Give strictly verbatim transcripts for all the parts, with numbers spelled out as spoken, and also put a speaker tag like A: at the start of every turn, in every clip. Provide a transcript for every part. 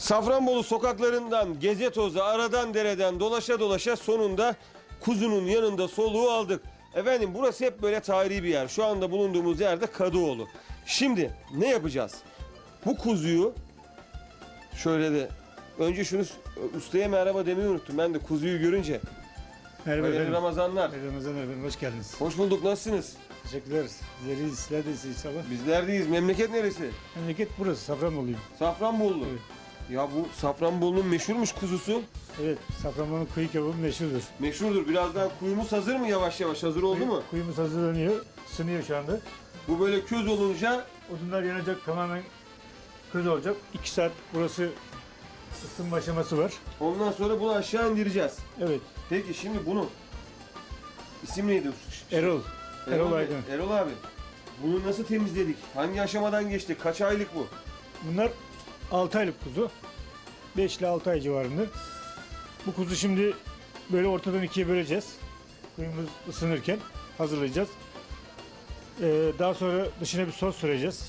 A: Safranbolu sokaklarından geze toza, aradan dereden dolaşa dolaşa sonunda kuzunun yanında soluğu aldık. Efendim burası hep böyle tarihi bir yer. Şu anda bulunduğumuz yerde Kadıoğlu. Şimdi ne yapacağız? Bu kuzuyu şöyle de önce şunu ustaya merhaba demeyi unuttum. Ben de kuzuyu görünce.
B: Merhaba
A: Hayırlı
B: efendim.
A: Ramazanlar.
B: Hayırlı Ramazanlar efendim. Hoş geldiniz.
A: Hoş bulduk. Nasılsınız?
B: Teşekkürler. Sizleri sizler de inşallah.
A: Bizlerdeyiz. Memleket neresi?
B: Memleket burası. Safranboluyum.
A: Safranbolu.
B: Evet.
A: Ya bu Safranbolu'nun meşhurmuş kuzusu.
B: Evet. Safranbolu'nun kuyu kebabı meşhurdur.
A: Meşhurdur. Birazdan kuyumuz hazır mı yavaş yavaş? Hazır oldu
B: Kuyu-
A: mu?
B: Kuyumuz hazırlanıyor. Sınıyor şu anda.
A: Bu böyle köz olunca
B: Odunlar yanacak. Tamamen köz olacak. İki saat burası ısınma aşaması var.
A: ondan sonra bunu aşağı indireceğiz.
B: Evet.
A: Peki şimdi bunu isim neydi?
B: Erol. Erol
A: Bey,
B: Aydın.
A: Erol abi. Bunu nasıl temizledik? Hangi aşamadan geçti? Kaç aylık bu?
B: Bunlar altı aylık kuzu. beş ile altı ay civarında. Bu kuzu şimdi böyle ortadan ikiye böleceğiz. Kuyumuz ısınırken hazırlayacağız. Ee, daha sonra dışına bir sos süreceğiz.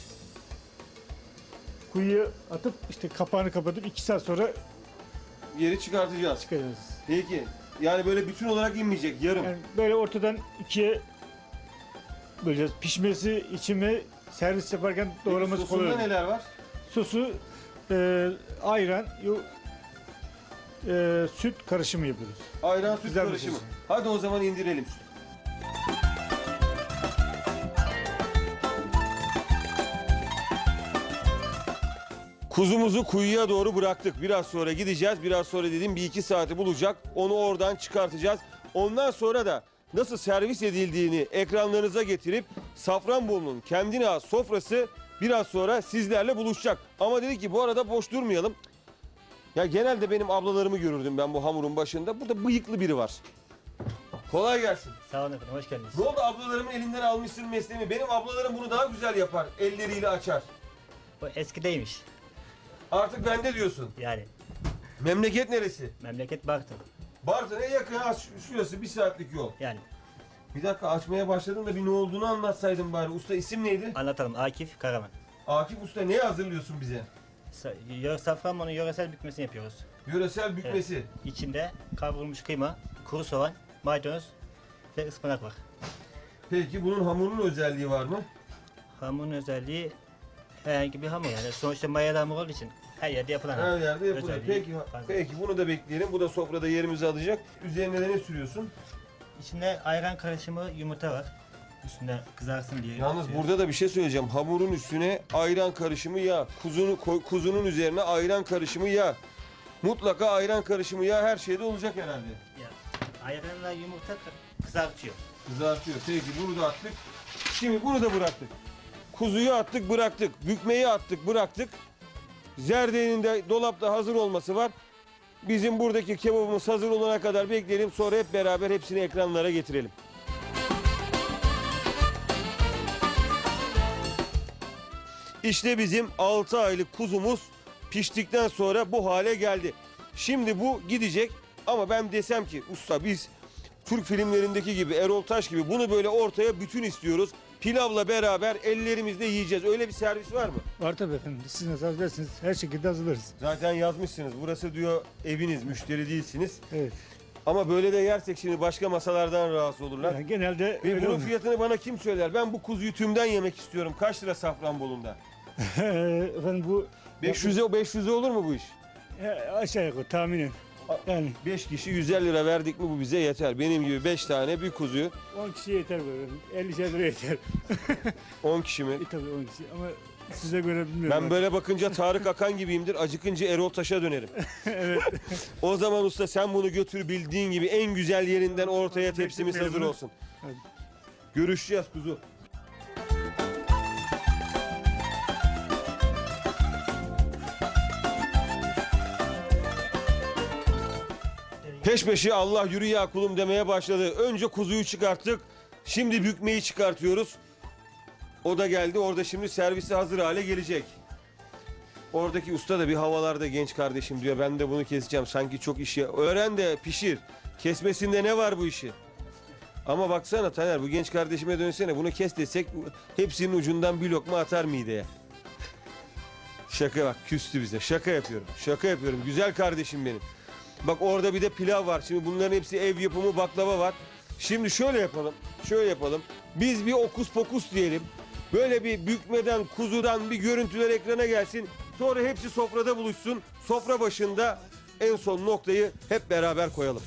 B: Kuyuya atıp işte kapağını kapatıp iki saat sonra
A: Geri çıkartacağız.
B: çıkacağız.
A: Peki. Yani böyle bütün olarak inmeyecek. Yarım.
B: Yani böyle ortadan ikiye böleceğiz. Pişmesi için ve servis yaparken
A: Peki
B: doğraması kolay
A: sosunda
B: olur.
A: neler var?
B: Sosu e, ayran, yo- e, süt karışımı yapıyoruz.
A: Ayran süt
B: Güzel bir
A: karışımı.
B: sos.
A: Hadi o zaman indirelim sütü. Kuzumuzu kuyuya doğru bıraktık. Biraz sonra gideceğiz. Biraz sonra dediğim bir iki saati bulacak. Onu oradan çıkartacağız. Ondan sonra da nasıl servis edildiğini ekranlarınıza getirip Safranbolu'nun kendine has sofrası biraz sonra sizlerle buluşacak. Ama dedik ki bu arada boş durmayalım. Ya genelde benim ablalarımı görürdüm ben bu hamurun başında. Burada bıyıklı biri var. Kolay gelsin.
C: Sağ olun efendim, hoş geldiniz.
A: Ne oldu, ablalarımın elinden almışsın mesleğimi? Benim ablalarım bunu daha güzel yapar. Elleriyle açar.
C: Bu eskideymiş.
A: Artık bende diyorsun.
C: Yani
A: Memleket neresi?
C: memleket Bartın.
A: Bartın'a yakın, ha, şu- şurası bir saatlik yol.
C: Yani
A: Bir dakika, açmaya başladın da bir ne olduğunu anlatsaydın bari. Usta isim neydi?
C: anlatalım. Akif Karaman.
A: Akif Usta, ne hazırlıyorsun bize?
C: Sa- Yöre, Safranbolu'nun yöresel bükmesini yapıyoruz.
A: Yöresel bükmesi.
C: İçinde kavrulmuş kıyma, kuru soğan, maydanoz ve ıspanak var.
A: Peki bunun hamurunun özelliği var mı?
C: Hamurun özelliği herhangi bir hamur yani. Sonuçta mayalı hamur olduğu için her yerde yapılan
A: Her
C: hamur.
A: yerde yapılır.
C: Özelliği
A: Peki,
C: fazla.
A: peki bunu da bekleyelim. Bu da sofrada yerimizi alacak. Üzerine de ne sürüyorsun?
C: İçinde ayran karışımı yumurta var. Üstünde kızarsın diye.
A: Yalnız
C: sürüyoruz.
A: burada da bir şey söyleyeceğim. Hamurun üstüne ayran karışımı yağ. Kuzunu, koy- kuzunun üzerine ayran karışımı yağ. Mutlaka ayran karışımı yağ her şeyde olacak herhalde.
C: Ya, ayranla yumurta kı- kızartıyor.
A: Kızartıyor. Peki bunu da attık. Şimdi bunu da bıraktık. Kuzuyu attık, bıraktık. Bükmeyi attık, bıraktık. Zerdeğinin de dolapta hazır olması var. Bizim buradaki kebabımız hazır olana kadar bekleyelim. Sonra hep beraber hepsini ekranlara getirelim. İşte bizim altı aylık kuzumuz piştikten sonra bu hale geldi. Şimdi bu gidecek ama ben desem ki usta biz Türk filmlerindeki gibi, Erol Taş gibi bunu böyle ortaya bütün istiyoruz. Pilavla beraber ellerimizle yiyeceğiz. Öyle bir servis var mı?
B: Var tabii efendim. Siz nasıl hazırlarsınız? Her şekilde hazırlarız.
A: Zaten yazmışsınız. Burası diyor eviniz, müşteri değilsiniz.
B: Evet.
A: Ama böyle de yersek şimdi başka masalardan rahatsız olurlar.
B: Yani genelde
A: Ve
B: öyle
A: bunun
B: oluyor.
A: fiyatını bana kim söyler? Ben bu kuzuyu tümden yemek istiyorum. Kaç lira Safranbolu'nda?
B: Efendim bu
A: beş yüze beş yüze olur mu bu iş?
B: E, aşağı yukarı tahminen. Yani
A: beş kişi yüz elli lira verdik mi bu bize yeter. Benim gibi beş tane bir kuzuyu
B: on kişiye yeter böyle. elli lira yeter.
A: on kişi mi?
B: E tabii on kişi ama size göre bilmiyorum.
A: Ben böyle bakınca Tarık Akan gibiyimdir. Acıkınca Erol Taş'a dönerim.
B: Evet.
A: O zaman usta sen bunu götür bildiğin gibi en güzel yerinden ortaya tepsimiz hazır olsun.
B: Hadi.
A: Görüşeceğiz kuzu. Peş peşe Allah yürü ya kulum demeye başladı. Önce kuzuyu çıkarttık. Şimdi bükmeyi çıkartıyoruz. O da geldi. Orada şimdi servisi hazır hale gelecek. Oradaki usta da bir havalarda genç kardeşim diyor. Ben de bunu keseceğim. Sanki çok işi. Öğren de pişir. Kesmesinde ne var bu işi? Ama baksana Taner, bu genç kardeşime dönsene. Bunu kes desek hepsinin ucundan bir lokma atar mideye. Şaka bak, küstü bize. Şaka yapıyorum. Şaka yapıyorum. Güzel kardeşim benim. Bak orada bir de pilav var. Şimdi bunların hepsi ev yapımı baklava var. Şimdi şöyle yapalım. Şöyle yapalım. Biz bir okus pokus diyelim. Böyle bir bükmeden, kuzudan bir görüntüler ekrana gelsin. Sonra hepsi sofrada buluşsun. Sofra başında en son noktayı hep beraber koyalım.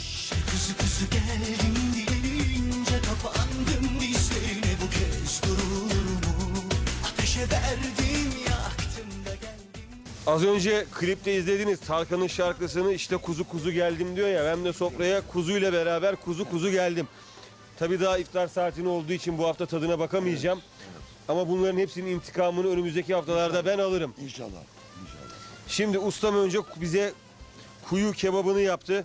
D: Kuzu kuzu geldim diyenince kapandım dizlerine bu kez durur mu? Ateşe verdim yaktım da geldim.
A: Az önce klipte izlediğiniz Tarkan'ın şarkısını işte kuzu kuzu geldim diyor ya. Ben de sofraya kuzuyla beraber kuzu kuzu geldim. Tabii daha iftar saatini olduğu için bu hafta tadına bakamayacağım. Ama bunların hepsinin intikamını önümüzdeki haftalarda ben alırım.
E: İnşallah. İnşallah.
A: Şimdi ustam önce bize kuyu kebabını yaptı.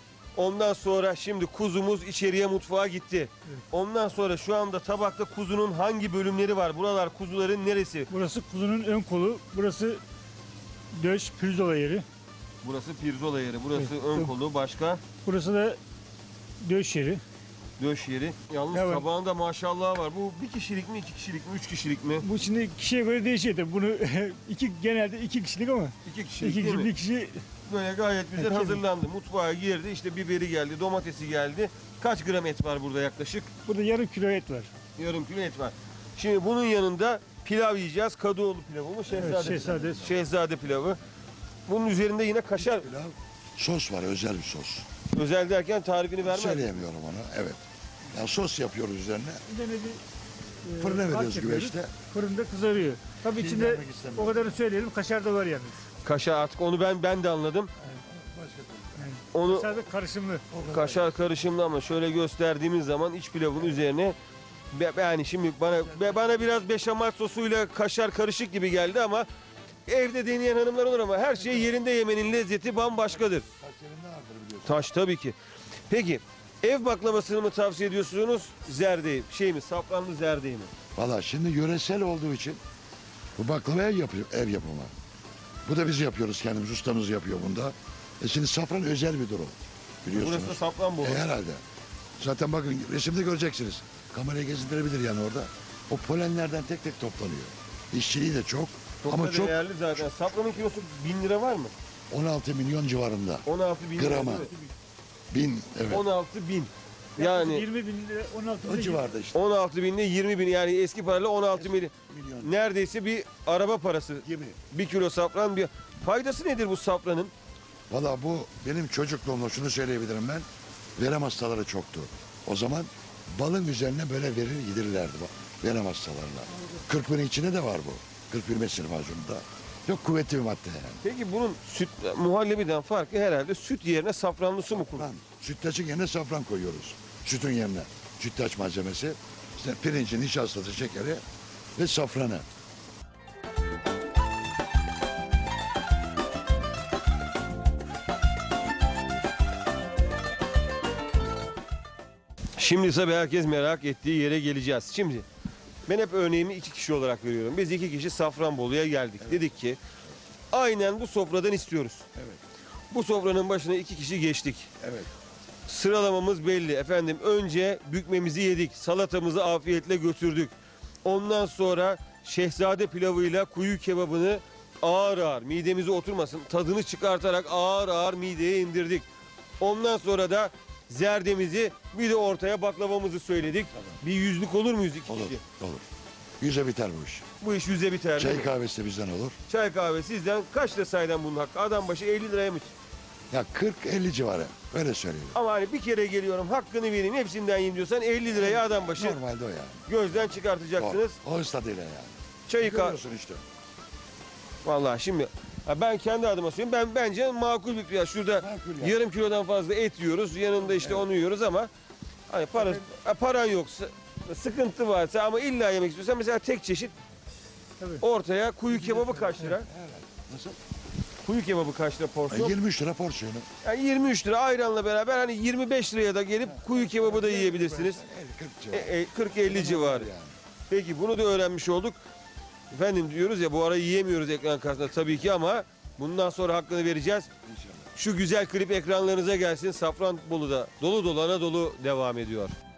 A: Ondan sonra şimdi kuzumuz içeriye mutfağa gitti. Ondan sonra şu anda tabakta kuzunun hangi bölümleri var? Buralar kuzuların neresi?
B: Burası kuzunun ön kolu. Burası döş, pirzola yeri.
A: Burası pirzola yeri, burası
B: Evet.
A: ön kolu, başka
B: Burası da döş yeri.
A: döş yeri. Yalnız
B: Evet.
A: tabağında maşallah var. Bu bir kişilik mi, iki kişilik mi, üç kişilik mi?
B: Bu şimdi kişiye göre değişiyor tabii. Bunu iki genelde iki kişilik ama
A: İki kişilik
B: iki
A: değil
B: kişi
A: mi?
B: bir kişi
A: Böyle gayet güzel
B: Evet,
A: hazırlandı. Mutfağa girdi, işte biberi geldi, domatesi geldi. Kaç gram et var burada yaklaşık?
B: burada yarım kilo et var.
A: Yarım kilo et var. Şimdi bunun yanında pilav yiyeceğiz. Kadıoğlu pilavı mı? Şehzade,
B: Evet, şehzade.
A: pilavı. Şehzade pilavı. Bunun üzerinde yine kaşar.
E: Pilav, sos var, özel bir sos.
A: Özel derken tarifini vermez.
E: Söyleyemiyorum onu, evet. Ya sos yapıyoruz üzerine.
B: Üzerine bir e,
E: Fırına
B: harç
E: veriyoruz
B: yapıyoruz.
E: güveçte.
B: Fırında kızarıyor. Tabii
E: Şey
B: içinde
E: vermek istemiyorum.
B: o kadarını söyleyelim. Kaşar da var yalnız.
A: Kaşar artık onu ben ben de anladım.
E: Başka türlü.
A: Onu
B: Kaşar da karışımlı.
A: kaşar karışımlı ama şöyle gösterdiğimiz zaman iç pilavın üzerine be- yani şimdi bana be- bana biraz beşamel sosuyla kaşar karışık gibi geldi ama evde deneyen hanımlar olur ama her şey yerinde yemenin lezzeti bambaşkadır.
E: Kaç yerinde vardır biliyorsun.
A: Taş tabii ki. Peki ev baklavasını mı tavsiye ediyorsunuz? Zerdeği, şey mi? Safranlı zerdeği mi?
E: Valla şimdi yöresel olduğu için bu baklava ev, yapıyor, ev yapımı. Bu da biz yapıyoruz kendimiz, ustamız yapıyor bunda. E şimdi safran özel bir durum biliyorsunuz.
A: Burası da safran bolu.
E: E herhalde. Zaten bakın resimde göreceksiniz. Kamerayı gezindirebilir yani orada. O polenlerden tek tek toplanıyor. İşçiliği de çok,
A: Çok
E: ama
A: da
E: çok
A: değerli zaten. Safranın kilosu bin lira var mı?
E: on altı milyon civarında.
A: on altı bin
E: Grama.
A: lira. değil mi?
E: Bin, evet.
A: on altı bin. Yani
B: yirmi bin lira, on altı bin
E: O
B: lira.
E: civarda işte.
A: on altı bin ile yirmi bin yani eski parayla on altı milyon.
E: Milyon
A: Neredeyse bir araba parası.
E: gibi.
A: Bir kilo safran bir. Faydası nedir bu safranın?
E: Valla bu benim çocukluğumda şunu söyleyebilirim ben. Verem hastaları çoktu. O zaman balın üzerine böyle verir yedirirlerdi bak. Verem hastalarına. Kırkpınar içinde de var bu. Kırkpınar mesir macununda. Çok kuvvetli bir madde yani.
A: Peki bunun süt muhallebiden farkı herhalde süt yerine safranlı su mu kullanıyor?
E: Safran. Sütlaçın yerine safran koyuyoruz. Sütün yerine. Sütlaç malzemesi. İşte pirincin nişastası, şekeri ve safranı.
A: Şimdi tabii herkes merak ettiği yere geleceğiz. Şimdi ben hep örneğimi iki kişi olarak veriyorum. Biz iki kişi Safranbolu'ya geldik. Dedik ki aynen bu sofradan istiyoruz.
E: Evet.
A: Bu sofranın başına iki kişi geçtik.
E: Evet.
A: Sıralamamız belli efendim. Önce bükmemizi yedik. Salatamızı afiyetle götürdük. Ondan sonra şehzade pilavıyla kuyu kebabını ağır ağır midemize oturmasın tadını çıkartarak ağır ağır mideye indirdik. Ondan sonra da zerdemizi bir de ortaya baklavamızı söyledik. Bir yüzlük olur muyuz iki
E: Olur.
A: kişi?
E: Olur. Yüze biter bu iş.
A: Bu iş yüze biter değil
E: Çay
A: mi?
E: kahvesi de bizden olur.
A: Çay kahve sizden kaç lira saydan bunun hakkı? Adam başı elli liraya mı?
E: Ya kırk elli civarı. Öyle söyleyeyim.
A: Ama hani bir kere geliyorum hakkını vereyim hepsinden yiyin diyorsan elli liraya adam başı
E: Normalde o yani.
A: gözden çıkartacaksınız.
E: O, o tadıyla yani.
A: Çayı ka
E: Görüyorsun işte.
A: Vallahi şimdi ha ben kendi adıma söyleyeyim. Ben bence makul bir fiyat. Şurada
E: Makul yani.
A: yarım kilodan fazla et yiyoruz. Yanında işte onu yiyoruz ama hani para, ha, paran yoksa sıkıntı varsa ama illa yemek istiyorsan mesela tek çeşit
B: Tabii.
A: ortaya kuyu kebabı kaç lira?
E: Evet. Nasıl?
A: Kuyu kebabı kaç lira
E: E,
A: porsiyon?
E: yirmi üç lira porsiyonu.
A: Yani yirmi üç lira ayranla beraber hani yirmi beş liraya da gelip kuyu kebabı da yiyebilirsiniz.
E: elli kırk
A: E,
E: civarı.
A: e, kırk elli civarı.
E: Yani.
A: Peki bunu da öğrenmiş olduk. Efendim diyoruz ya bu ara yiyemiyoruz ekran karşısında tabii ki ama bundan sonra hakkını vereceğiz.
E: İnşallah.
A: Şu güzel klip ekranlarınıza gelsin. Safranbolu'da dolu dolu Anadolu devam ediyor.